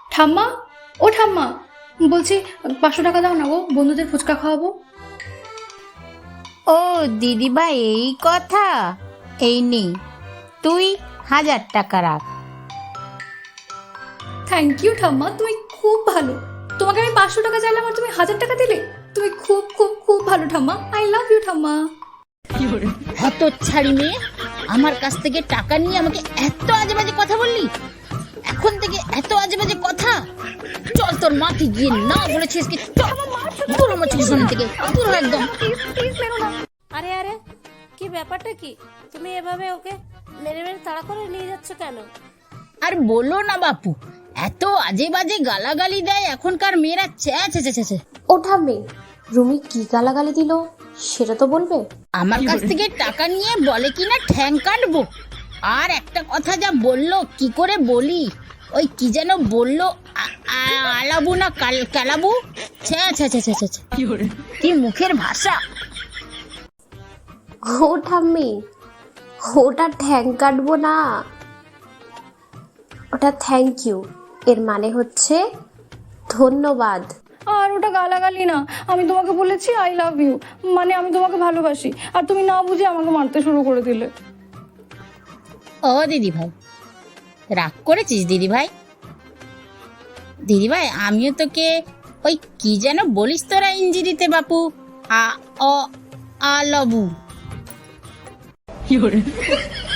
ঠাম্মা, ও ঠাম্মা, বলছি 500 টাকা দাও না গো, বন্ধুদের ফুচকা খাওয়াবো। ও দিদিভাই, এই কথা। এই নে, তুই 1000 টাকা রাখ। থ্যাংক ইউ ঠাম্মা, তুমি খুব ভালো। তোমাকে আমি 500 টাকা চাইলাম আর তুমি 1000 টাকা দিলে। তুমি খুব খুব খুব ভালো ঠাম্মা। আই লাভ ইউ ঠাম্মা। হতচ্ছাড়ি মেয়ে, আমার কাছ থেকে টাকা নিয়ে আমাকে এত আজে বাজে কথা বললি। এখন থেকে এত আজে বাজে কথা। চল, তোর মাকে গিয়ে না বলেছিস কি, চল দূর আমার চোখের সামনে থেকে, দূর হ একদম। আরে আরে, কি ব্যাপারটা কি? তুমি এভাবে ওকে মেরে মেরে তাড়া করে নিয়ে যাচ্ছ কেন? আর বলো না বাপু, এত আজে বাজে গালাগালি দেয় এখনকার মেয়েরা। ছে। ও ঠাম্মি, রুমি কি গালাগালি দিল সেটা তো বলবে। আমার কাছ থেকে টাকা নিয়ে বলে কিনা ঠ্যাং কাটবো। আর একটা কথা যা বললো, কি করে বলি, ওই কি যেন বললো, আলাবু না কালাবু। ছে। কি মুখের ভাষা। ও ঠাম্মি, ওটা ঠ্যাং কাটবো না, ওটা থ্যাংক ইউ। এর মানে হচ্ছে ধন্যবাদ। আর ওটা গালাগালি না, আমি তোমাকে বলেছি আই লাভ ইউ, মানে আমি তোমাকে ভালোবাসি, আর তুমি না বুঝে আমাকে মারতে শুরু করে দিলে। ও দিদি ভাই, রাগ করেছিস দিদি ভাই? দিদি ভাই, আমিও তোকে ওই কি যেন বলিস তোরা ইঞ্জিরিতে বাপু, আ অ আলাবু।